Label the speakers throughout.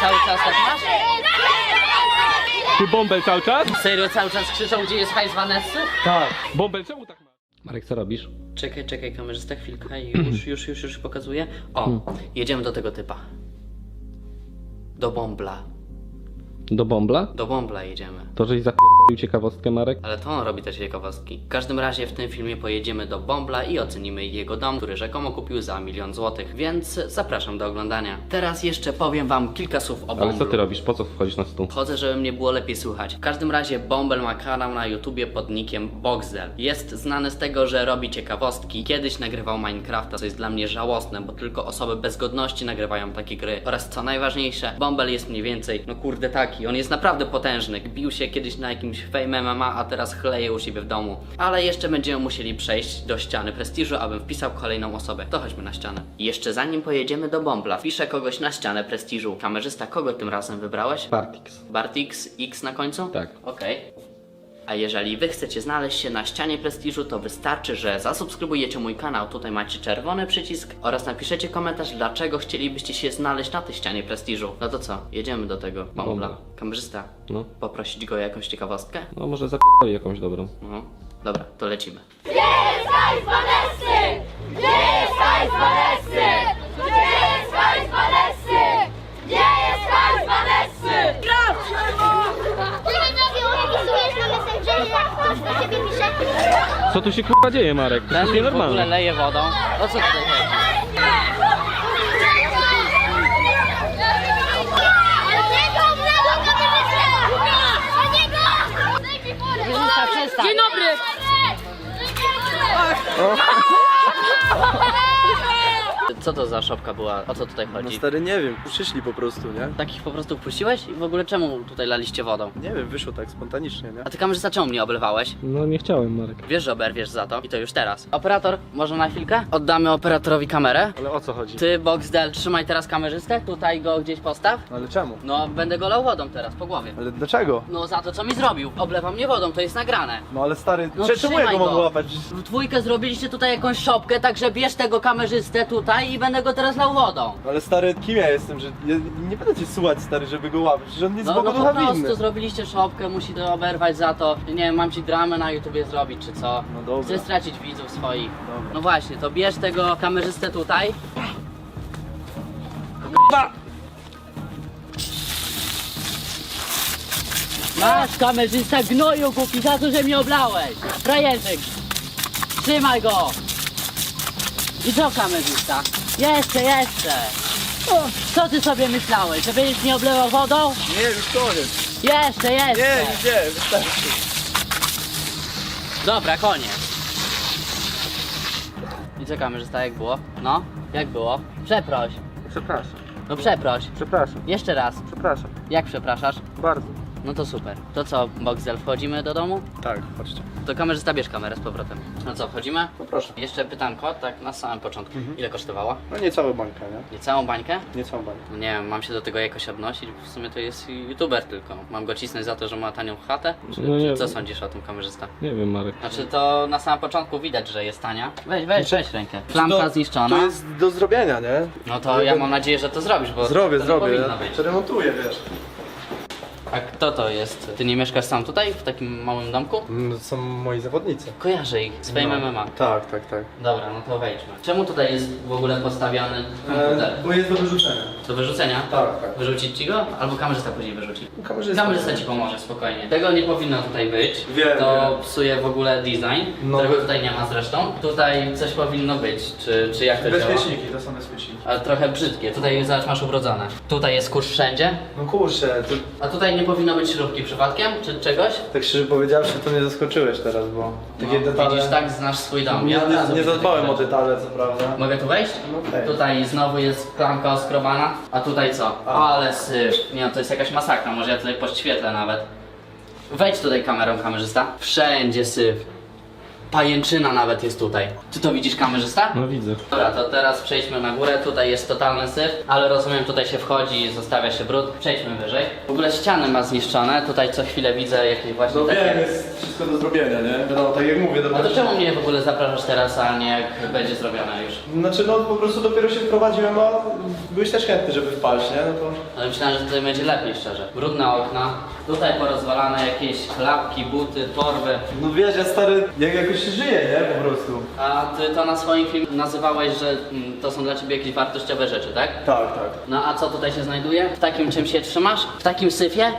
Speaker 1: Cały czas tak masz?
Speaker 2: Ty Bąbel cały czas?
Speaker 1: Serio cały czas krzyczą, gdzie jest hajs Vanessy?
Speaker 2: Tak. Bąbel, czemu tak masz? Marek, co robisz?
Speaker 1: Czekaj, kamerzysta, chwilkę, już pokazuję. O, jedziemy do tego typa. Do Bąbla.
Speaker 2: Do Bąbla?
Speaker 1: Do Bąbla jedziemy.
Speaker 2: To, żeś zapierdolił ciekawostkę, Marek?
Speaker 1: Ale to on robi też ciekawostki. W każdym razie w tym filmie pojedziemy do Bąbla i ocenimy jego dom, który rzekomo kupił za 1 000 000 złotych, więc zapraszam do oglądania. Teraz jeszcze powiem wam kilka słów o Bąblu.
Speaker 2: Ale co ty robisz? Po co wchodzisz na stół?
Speaker 1: Chodzę, żeby mnie było lepiej słychać. W każdym razie Bąbel ma kanał na YouTubie pod nickiem Boxdel. Jest znany z tego, że robi ciekawostki. Kiedyś nagrywał Minecrafta, co jest dla mnie żałosne, bo tylko osoby bez godności nagrywają takie gry. Oraz co najważniejsze, Bąbel jest mniej więcej, no kurde taki, on jest naprawdę potężny. Bił się kiedyś na jakimś Fame MMA, a teraz chleje u siebie w domu. Ale jeszcze będziemy musieli przejść do ściany prestiżu, abym wpisał kolejną osobę. To chodźmy na ścianę. I jeszcze zanim pojedziemy do Bąbla, wpiszę kogoś na ścianę prestiżu. Kamerzysta, kogo tym razem wybrałeś?
Speaker 2: Partix.
Speaker 1: Bartix X na końcu?
Speaker 2: Tak.
Speaker 1: Okej. A jeżeli wy chcecie znaleźć się na ścianie prestiżu, to wystarczy, że zasubskrybujecie mój kanał, tutaj macie czerwony przycisk oraz napiszecie komentarz, dlaczego chcielibyście się znaleźć na tej ścianie prestiżu. No to co, jedziemy do tego Bąbla.
Speaker 2: Dobra.
Speaker 1: Kamerzysta,
Speaker 2: No.
Speaker 1: poprosić go o jakąś ciekawostkę?
Speaker 2: No może zapierdoli jakąś dobrą.
Speaker 1: No, dobra, to lecimy.
Speaker 3: Gdzie jest hajs Vanessy? Gdzie jest hajs Vanessy? Gdzie jest hajs Vanessy? Gdzie jest hajs Vanessy? Ty mnie opisujesz na Messengerze, jak ktoś do ciebie pisze?
Speaker 2: Co tu się kurwa dzieje, Marek? To jest
Speaker 1: Ten w ogóle
Speaker 2: nienormalne.
Speaker 1: leje wodą. O co tutaj chodzi? Dzień dobry! Co to za szopka była? O co tutaj
Speaker 4: No
Speaker 1: chodzi?
Speaker 4: stary, nie wiem, przyszli po prostu, nie?
Speaker 1: Takich po prostu wpuściłeś? I w ogóle czemu tutaj laliście wodą?
Speaker 4: Nie wiem, wyszło tak spontanicznie, nie?
Speaker 1: A ty kamerzysta czemu mnie oblewałeś?
Speaker 2: No nie chciałem, Marek.
Speaker 1: Wiesz, że oberwiesz za to i to już teraz. Operator, może na chwilkę? Oddamy operatorowi kamerę.
Speaker 4: Ale o co chodzi?
Speaker 1: Ty, Boxdel, trzymaj teraz kamerzystę, tutaj go gdzieś postaw.
Speaker 4: Ale czemu?
Speaker 1: No, będę go lał wodą teraz, po głowie.
Speaker 4: Ale dlaczego?
Speaker 1: No, za to, co mi zrobił. Oblewa mnie wodą, to jest nagrane.
Speaker 4: No ale stary,
Speaker 1: No,
Speaker 4: czemu ja
Speaker 1: trzymaj
Speaker 4: go mam
Speaker 1: go.
Speaker 4: łapać?
Speaker 1: W dwójkę zrobiliście tutaj jakąś szopkę, także bierz tego kamerzystę tutaj i będę go teraz lał wodą.
Speaker 4: Ale stary, kim ja jestem, że ja nie będę cię słuchać, stary, żeby go łapać, przecież on nic
Speaker 1: No,
Speaker 4: Bogu
Speaker 1: no po
Speaker 4: ducha
Speaker 1: prostu
Speaker 4: winny.
Speaker 1: zrobiliście szopkę, musi to oberwać za to. Nie wiem, mam ci dramę na YouTubie zrobić, czy co?
Speaker 4: No dobra.
Speaker 1: Chcę stracić widzów swoich.
Speaker 4: Dobra.
Speaker 1: No właśnie, to bierz tego kamerzystę tutaj. Masz kamerzysta gnoju głupi za to, że mnie oblałeś. Frajerzyk. Trzymaj go. I co kamerzysta? Jeszcze. O, co ty sobie myślałeś, że będziesz mnie oblewał wodą?
Speaker 4: Nie, już koniec.
Speaker 1: Jeszcze.
Speaker 4: Nie, wystarczy.
Speaker 1: Dobra, koniec. I co kamerzysta, jak było? No, jak było? Przeproś.
Speaker 4: Przepraszam,
Speaker 1: No przeproś.
Speaker 4: przepraszam,
Speaker 1: Jeszcze raz.
Speaker 4: przepraszam.
Speaker 1: Jak przepraszasz?
Speaker 4: Bardzo.
Speaker 1: No to super. To co, Boxdel, wchodzimy do domu?
Speaker 4: Tak, chodźcie.
Speaker 1: To kamerzysta, bierz kamerę z powrotem. No co, wchodzimy?
Speaker 4: No proszę.
Speaker 1: Jeszcze pytanko, tak na samym początku. Ile kosztowała?
Speaker 4: No nie całą bańkę, nie?
Speaker 1: Nie całą bańkę?
Speaker 4: Nie całą bańkę.
Speaker 1: No nie wiem, mam się do tego jakoś odnosić, w sumie to jest youtuber tylko. Mam go cisnąć za to, że ma tanią chatę? Czy,
Speaker 2: No nie
Speaker 1: czy co
Speaker 2: wiem.
Speaker 1: sądzisz o tym, kamerzysta?
Speaker 2: Nie wiem, Marek.
Speaker 1: Znaczy to na samym początku widać, że jest tania. Weź rękę. Flamka
Speaker 4: To
Speaker 1: zniszczona.
Speaker 4: jest do zrobienia, nie?
Speaker 1: No to ja mam nadzieję, że to zrobisz, bo
Speaker 4: Zrobię,
Speaker 1: to nie
Speaker 4: zrobię.
Speaker 1: powinno
Speaker 4: Ja
Speaker 1: być.
Speaker 4: przeremontuję, wiesz.
Speaker 1: A kto to jest? Ty nie mieszkasz sam tutaj, w takim małym domku?
Speaker 4: No, to są moi zawodnicy.
Speaker 1: Kojarzę ich z Fame MMA.
Speaker 4: Tak.
Speaker 1: Dobra, no to wejdźmy. Czemu tutaj jest w ogóle postawiony komputer?
Speaker 4: Bo jest do wyrzucenia.
Speaker 1: Do wyrzucenia?
Speaker 4: Tak.
Speaker 1: Wyrzucić ci go? Albo kamerzysta później wyrzuci.
Speaker 4: Kamerzysta.
Speaker 1: Kamerzysta ci pomoże, spokojnie. Tego nie powinno tutaj być.
Speaker 4: Wiem,
Speaker 1: To
Speaker 4: wiem.
Speaker 1: psuje w ogóle design,
Speaker 4: No.
Speaker 1: którego tutaj nie ma zresztą. Tutaj coś powinno być, czy jak to działa?
Speaker 4: Bezpieczniki, to są bezpieczniki.
Speaker 1: Ale trochę brzydkie. Tutaj zobacz, masz ubrodzone. Tutaj jest kurz wszędzie.
Speaker 4: No kurczę, to
Speaker 1: A tutaj nie powinno być śrubki przypadkiem, czy czegoś?
Speaker 4: tak szczerze powiedziawszy, to mnie zaskoczyłeś teraz, bo takie detale...
Speaker 1: Widzisz, tak znasz swój dom.
Speaker 4: Nie,
Speaker 1: Ja od razu
Speaker 4: nie
Speaker 1: widzę
Speaker 4: zadbałem
Speaker 1: takie
Speaker 4: o
Speaker 1: rzeczy.
Speaker 4: detale, co prawda.
Speaker 1: Mogę tu wejść?
Speaker 4: No wejdź.
Speaker 1: Tutaj znowu jest klamka oskrobana, a tutaj co? Ale syf. Nie no, to jest jakaś masakra, może ja tutaj poświetlę nawet. Wejdź tutaj kamerą, kamerzysta. Wszędzie syf. Pajęczyna nawet jest tutaj. Ty to widzisz, kamerzysta?
Speaker 2: No widzę.
Speaker 1: Dobra, to teraz przejdźmy na górę. Tutaj jest totalny syf, ale rozumiem, tutaj się wchodzi i zostawia się brud. Przejdźmy wyżej. W ogóle ściany ma zniszczone. Tutaj co chwilę widzę jakieś właśnie
Speaker 4: No
Speaker 1: takie...
Speaker 4: wiem, jest wszystko do zrobienia, nie? Wiadomo, tak jak mówię,
Speaker 1: A to czemu mnie w ogóle zapraszasz teraz, a nie jak będzie zrobione już?
Speaker 4: Znaczy no po prostu dopiero się wprowadziłem, a byłeś też chętny, żeby wpaść, nie? No to...
Speaker 1: Ale myślałem, że tutaj będzie lepiej, szczerze. Brudne okna, tutaj porozwalane jakieś klapki, buty, torby.
Speaker 4: No wiesz, ja stary, jak jakoś się żyje, nie? Po prostu.
Speaker 1: A ty to na swoim filmie nazywałeś, że to są dla ciebie jakieś wartościowe rzeczy, tak?
Speaker 4: Tak, tak.
Speaker 1: No a co tutaj się znajduje? W takim czym się trzymasz? W takim syfie?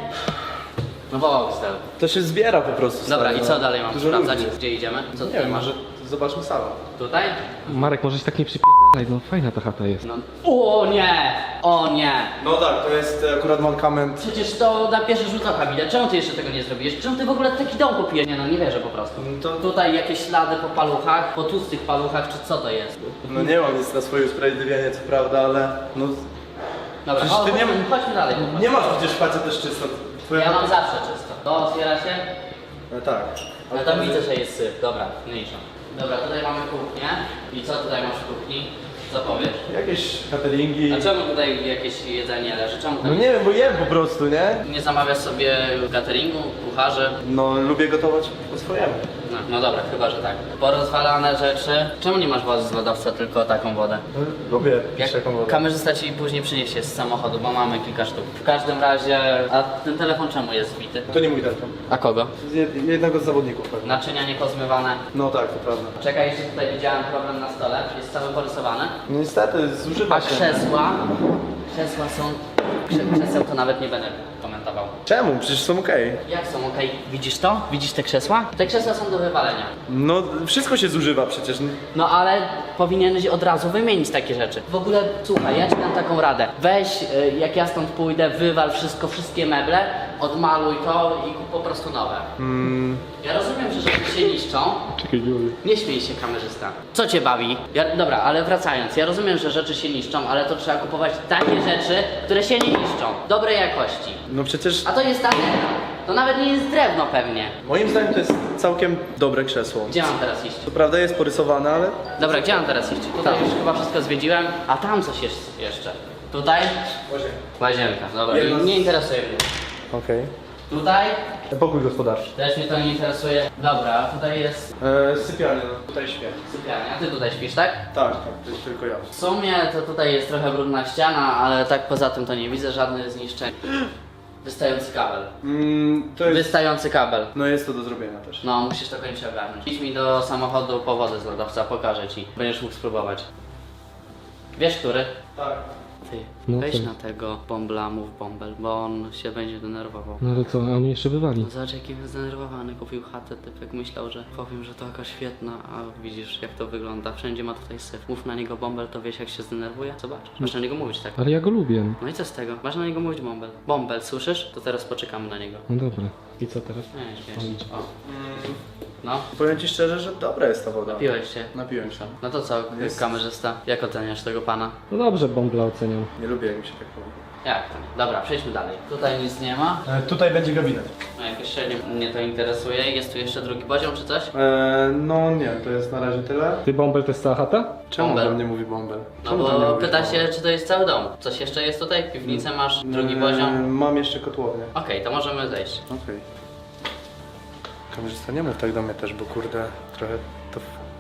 Speaker 1: No Boxdel.
Speaker 4: To się zbiera po prostu.
Speaker 1: Dobra,
Speaker 4: stary,
Speaker 1: i co
Speaker 4: no.
Speaker 1: dalej mam
Speaker 4: Dużo
Speaker 1: sprawdzać?
Speaker 4: ludzi jest.
Speaker 1: Gdzie idziemy? Co
Speaker 4: Nie
Speaker 1: tutaj
Speaker 4: wiem,
Speaker 1: masz?
Speaker 4: może zobaczmy salę.
Speaker 1: Tutaj?
Speaker 2: Marek, może się tak nie przypierdalaj, no fajna ta chata jest.
Speaker 1: No. O nie! O nie!
Speaker 4: No tak, to jest akurat mankament.
Speaker 1: Przecież to na pierwszy rzut oka widać. Czemu ty jeszcze tego nie zrobiłeś? Czemu ty w ogóle taki dom kupiłeś? Nie no, nie wierzę po prostu.
Speaker 4: No to-
Speaker 1: Tutaj jakieś ślady po paluchach, po tłustych paluchach, czy co to jest?
Speaker 4: No nie mam nic na swoje usprawiedliwienie, co prawda, ale no...
Speaker 1: Dobra,
Speaker 4: Przecież ty nie-
Speaker 1: chodźmy dalej. po prostu.
Speaker 4: Nie masz przecież facet też czysto. Twoja
Speaker 1: Ja mam zawsze czysto. To otwiera się?
Speaker 4: No tak.
Speaker 1: No tam widzę, że jest syf. Dobra, mniejsza. Dobra, tutaj mamy kuchnię. I co tutaj masz w kuchni? Co powiesz?
Speaker 4: Jakieś cateringi.
Speaker 1: A czemu tutaj jakieś jedzenie leży? Czemu
Speaker 4: No
Speaker 1: tam
Speaker 4: nie wiem, bo jem po prostu, nie?
Speaker 1: nie zamawiasz sobie cateringu, kucharzy?
Speaker 4: No lubię gotować po swojemu.
Speaker 1: No dobra, chyba, że tak. Porozwalane rzeczy. Czemu nie masz wody z lodowca, tylko taką wodę?
Speaker 4: Lubię
Speaker 1: Jak
Speaker 4: taką wodę.
Speaker 1: kamerzysta ci później przyniesie z samochodu, bo mamy kilka sztuk. W każdym razie, a ten telefon czemu jest zbity?
Speaker 4: To nie mój telefon.
Speaker 1: A kogo?
Speaker 4: Z jednego z zawodników pewnie.
Speaker 1: Naczynia niepozmywane.
Speaker 4: No tak, to prawda.
Speaker 1: Czekaj, jeszcze tutaj widziałem problem na stole. Jest cały porysowany.
Speaker 4: No niestety, zużywa
Speaker 1: A
Speaker 4: się.
Speaker 1: krzesła są... Krzeseł to nawet nie będę komentował.
Speaker 4: Czemu? Przecież są okej.
Speaker 1: Jak są okej? Widzisz to? Widzisz te krzesła? Te krzesła są do wywalenia.
Speaker 4: No wszystko się zużywa przecież.
Speaker 1: No ale powinieneś od razu wymienić takie rzeczy. W ogóle, słuchaj, ja ci dam taką radę. Weź, jak ja stąd pójdę, wywal wszystko, wszystkie meble, odmaluj to i kup po prostu nowe. Ja rozumiem, że rzeczy się niszczą.
Speaker 2: Czekaj, Juliu.
Speaker 1: Nie śmiej się, kamerzysta. Co cię bawi? Dobra, ale wracając, ja rozumiem, że rzeczy się niszczą, ale to trzeba kupować takie rzeczy, które się nie niszczą. Dobrej jakości.
Speaker 4: No przecież
Speaker 1: A to jest takie, to nawet nie jest drewno pewnie.
Speaker 4: moim zdaniem to jest całkiem dobre krzesło.
Speaker 1: Gdzie mam teraz iść?
Speaker 4: Co prawda jest porysowane, ale...
Speaker 1: Dobra, gdzie mam teraz iść? Tutaj już chyba wszystko zwiedziłem, a tam coś jest jeszcze. Tutaj? Łazienka, dobra.
Speaker 4: Jedno z-
Speaker 1: Nie interesuje mnie.
Speaker 4: Okej.
Speaker 1: Tutaj?
Speaker 4: Pokój gospodarczy.
Speaker 1: Też mnie to nie interesuje. Dobra, tutaj jest
Speaker 4: Sypialnia, no tutaj śpię.
Speaker 1: sypialnia. Ty tutaj śpisz, tak?
Speaker 4: Tak, to jest tylko ja.
Speaker 1: W sumie to tutaj jest trochę brudna ściana, ale tak poza tym to nie widzę żadnych zniszczeń. Wystający kabel.
Speaker 4: To jest...
Speaker 1: Wystający kabel.
Speaker 4: No jest to do zrobienia też.
Speaker 1: No, musisz to koniecznie ogarnąć. Idź mi do samochodu po wodę z lodowca, pokażę ci. Będziesz mógł spróbować. Wiesz, który?
Speaker 4: Tak.
Speaker 1: Ty,
Speaker 2: No
Speaker 1: weź
Speaker 2: to-
Speaker 1: na tego bombla, mów bąbel, bo on się będzie denerwował.
Speaker 2: No ale co, a on jeszcze wywali.
Speaker 1: No zobacz jaki jest zdenerwowany, kupił chatę, typek myślał, że powiem, że to jakaś świetna, a widzisz jak to wygląda, wszędzie ma tutaj syf. Mów na niego bąbel, to wiesz jak się zdenerwuje? Zobacz, masz na niego mówić tak.
Speaker 2: Ale ja go lubię.
Speaker 1: No i co z tego? Masz na niego mówić bąbel. Bąbel, słyszysz? To teraz poczekamy na niego.
Speaker 2: No dobra. I co teraz?
Speaker 1: Nie, śmiesz. O. No,
Speaker 4: Powiem ci szczerze, że dobra jest ta woda.
Speaker 1: piłeś się.
Speaker 4: Napiłem się.
Speaker 1: No to co,
Speaker 4: Jest-
Speaker 1: kamerzysta? Jak oceniasz tego pana?
Speaker 2: No dobrze, Bombla oceniam.
Speaker 4: Nie lubię jak mi się tak mówi.
Speaker 1: Jak to? Dobra, przejdźmy dalej. Tutaj nic nie ma.
Speaker 4: Tutaj będzie gabinet.
Speaker 1: No jakoś średnio mnie to interesuje. Jest tu jeszcze drugi poziom czy coś?
Speaker 4: No nie, to jest na razie tyle.
Speaker 2: Ty, Bombel, to jest cała chata?
Speaker 4: Czemu
Speaker 1: Bąbel.
Speaker 4: do mnie mówi bąbel?
Speaker 1: No
Speaker 4: Czemu do mnie
Speaker 1: bo
Speaker 4: mówisz
Speaker 1: pyta
Speaker 4: bąbel?
Speaker 1: się, czy to jest cały dom. Coś jeszcze jest tutaj? Piwnicę masz? Drugi poziom?
Speaker 4: Mam jeszcze kotłownię.
Speaker 1: Okej, to możemy zejść.
Speaker 4: Okej. Kamerzysta, nie mów tak do mnie też, bo kurde, trochę to...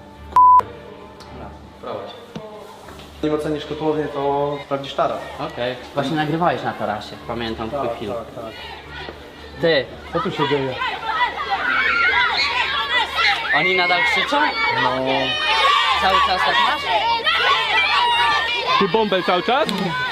Speaker 1: Dobra, prowadź.
Speaker 4: Nim ocenisz kotłownię, to sprawdzisz taras.
Speaker 1: Okej. Właśnie nagrywałeś na tarasie. Pamiętam twój film.
Speaker 4: tak.
Speaker 1: Ty,
Speaker 4: Co tu się dzieje?
Speaker 1: oni nadal krzyczą?
Speaker 4: No...
Speaker 1: Cały czas tak masz?
Speaker 2: Ty, Bombel, cały czas?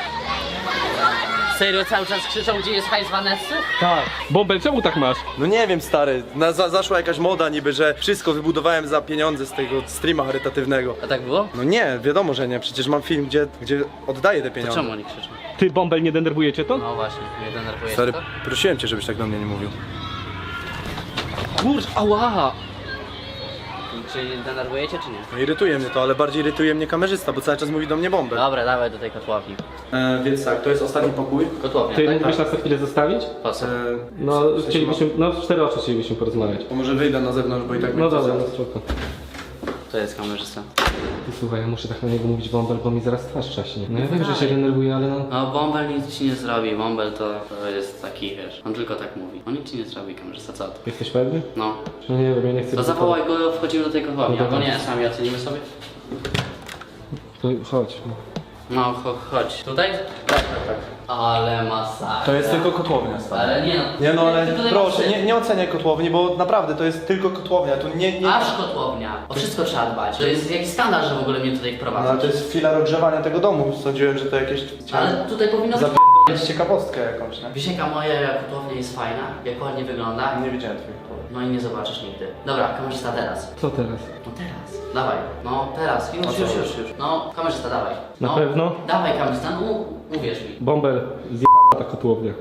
Speaker 1: Serio cały czas krzyczą, gdzie jest hajs Vanessy?
Speaker 4: Tak.
Speaker 2: Bombel, czemu tak masz?
Speaker 4: No nie wiem, stary, zaszła jakaś moda niby, że wszystko wybudowałem za pieniądze z tego streama charytatywnego.
Speaker 1: A tak było?
Speaker 4: No nie, wiadomo, że nie, przecież mam film, gdzie oddaję te
Speaker 1: To
Speaker 4: pieniądze.
Speaker 1: czemu oni krzyczą?
Speaker 2: Ty, Bombel, nie denerwuje cię to?
Speaker 1: No właśnie, mnie denerwuje
Speaker 4: Stary,
Speaker 1: to.
Speaker 4: prosiłem cię, żebyś tak do mnie nie mówił.
Speaker 1: Kurcz, ała! Czyli denerwujecie czy nie?
Speaker 4: No irytuje mnie to, ale bardziej irytuje mnie kamerzysta, bo cały czas mówi do mnie Bąbel.
Speaker 1: Dobra, dawaj do tej kotłowni.
Speaker 4: Więc tak, to jest ostatni pokój.
Speaker 1: Kotłownia,
Speaker 2: Ty
Speaker 1: tak?
Speaker 2: mógłbyś nas na chwilę zostawić?
Speaker 1: Po co?
Speaker 2: No, chcielibyśmy, no w 4 oczy chcielibyśmy porozmawiać.
Speaker 4: To może wyjdę na zewnątrz, bo i tak
Speaker 2: No
Speaker 4: mnie
Speaker 2: dobra,
Speaker 4: chce
Speaker 2: no spoko.
Speaker 1: To jest kamerzysta.
Speaker 2: Ty słuchaj, ja muszę tak na niego mówić Bąbel, bo mi zaraz twarz trzaśnie. No ja wiem, że się denerwuje, ale no...
Speaker 1: No Bąbel nic ci nie zrobi, Bąbel to jest taki, wiesz, on tylko tak mówi. On nic ci nie zrobi, kamerzysta, co ty?
Speaker 2: Jesteś pewny?
Speaker 1: No.
Speaker 2: No nie wiem, ja nie chcę...
Speaker 1: To zawołaj go, wchodzimy do tej kotłowni,
Speaker 2: No
Speaker 1: albo
Speaker 2: dobra.
Speaker 1: nie, sami ocenimy sobie.
Speaker 2: To chodź.
Speaker 1: No, chodź. Tutaj? Tak. Ale masakra.
Speaker 4: To jest tylko kotłownia, stary.
Speaker 1: Ale nie no.
Speaker 4: Nie no, ale
Speaker 1: ty tutaj
Speaker 4: proszę,
Speaker 1: masz-
Speaker 4: nie oceniaj kotłowni, bo naprawdę to jest tylko kotłownia, tu nie...
Speaker 1: Aż kotłownia. O wszystko trzeba dbać. To jest jakiś skandal, że w ogóle mnie tutaj
Speaker 4: No,
Speaker 1: wprowadzasz.
Speaker 4: ale to jest chwila rozgrzewania tego domu, sądziłem, że to jakieś...
Speaker 1: Ale tutaj powinno być...
Speaker 4: Zapierdolić ciekawostkę jakąś, nie?
Speaker 1: Wisienka moja kotłownia jest fajna, jak ładnie wygląda.
Speaker 4: Nie widziałem twoich kotłowni.
Speaker 1: No i nie zobaczysz nigdy. Dobra, kamerzysta teraz.
Speaker 2: Co teraz?
Speaker 1: No teraz. Dawaj. No teraz. Już. No, kamerzysta dawaj.
Speaker 2: Na
Speaker 1: No,
Speaker 2: pewno?
Speaker 1: Dawaj kamerzysta, no uwierz mi.
Speaker 2: Bąbel, zjebała ta kotłownia.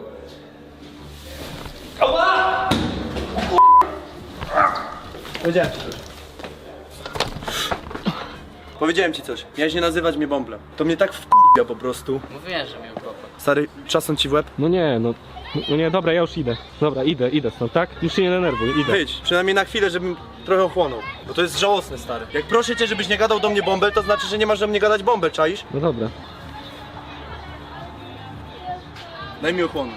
Speaker 4: Powiedziałem ci coś. Powiedziałem ci coś. Miałeś nie nazywać mnie Bąblem. To mnie tak wkurwia po prostu.
Speaker 1: Mówiłem, że mnie ukocha.
Speaker 4: Stary, czasem ci w łeb?
Speaker 2: No nie, no... No nie, dobra, ja już idę. Dobra, idę stąd, tak? Już się nie denerwuj, idę.
Speaker 4: Wyjdź, przynajmniej na chwilę, żebym trochę ochłonął. Bo to jest żałosne, stary. Jak proszę cię, żebyś nie gadał do mnie Bąbel, to znaczy, że nie masz do mnie gadać Bąbel, czaisz?
Speaker 2: No dobra.
Speaker 4: Daj mi ochłonąć.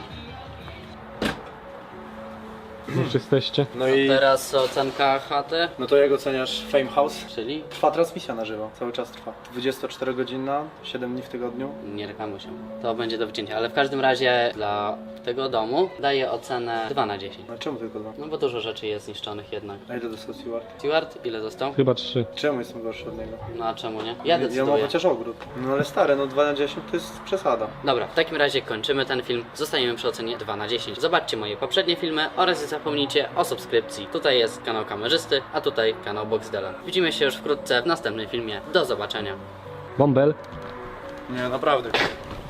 Speaker 2: Już jesteście.
Speaker 4: No i...
Speaker 1: Teraz ocenka chaty,
Speaker 4: No to jak oceniasz Fame House?
Speaker 1: czyli
Speaker 4: Trwa transmisja na żywo, cały czas trwa. 24-godzinna, 7 dni w tygodniu.
Speaker 1: nie reklamuj się. To będzie do wycięcia, ale w każdym razie dla tego domu daję ocenę 2 na 10.
Speaker 4: No czemu tylko 2?
Speaker 1: No bo dużo rzeczy jest zniszczonych jednak.
Speaker 4: A ile dostał Stewart?
Speaker 1: Stewart, ile dostał?
Speaker 2: Chyba 3.
Speaker 4: Czemu jestem gorszy od niego?
Speaker 1: No a czemu nie? Ja
Speaker 4: Ja mam
Speaker 1: decyduję.
Speaker 4: chociaż ogród. No ale stary, no 2 na 10 to jest przesada.
Speaker 1: Dobra, w takim razie kończymy ten film. Zostaniemy przy ocenie 2 na 10. Zobaczcie moje poprzednie filmy oraz nie zapomnijcie o subskrypcji. Tutaj jest kanał kamerzysty, a tutaj kanał Boxdela. Widzimy się już wkrótce w następnym filmie. Do zobaczenia.
Speaker 2: Bąbel.
Speaker 4: Nie, naprawdę.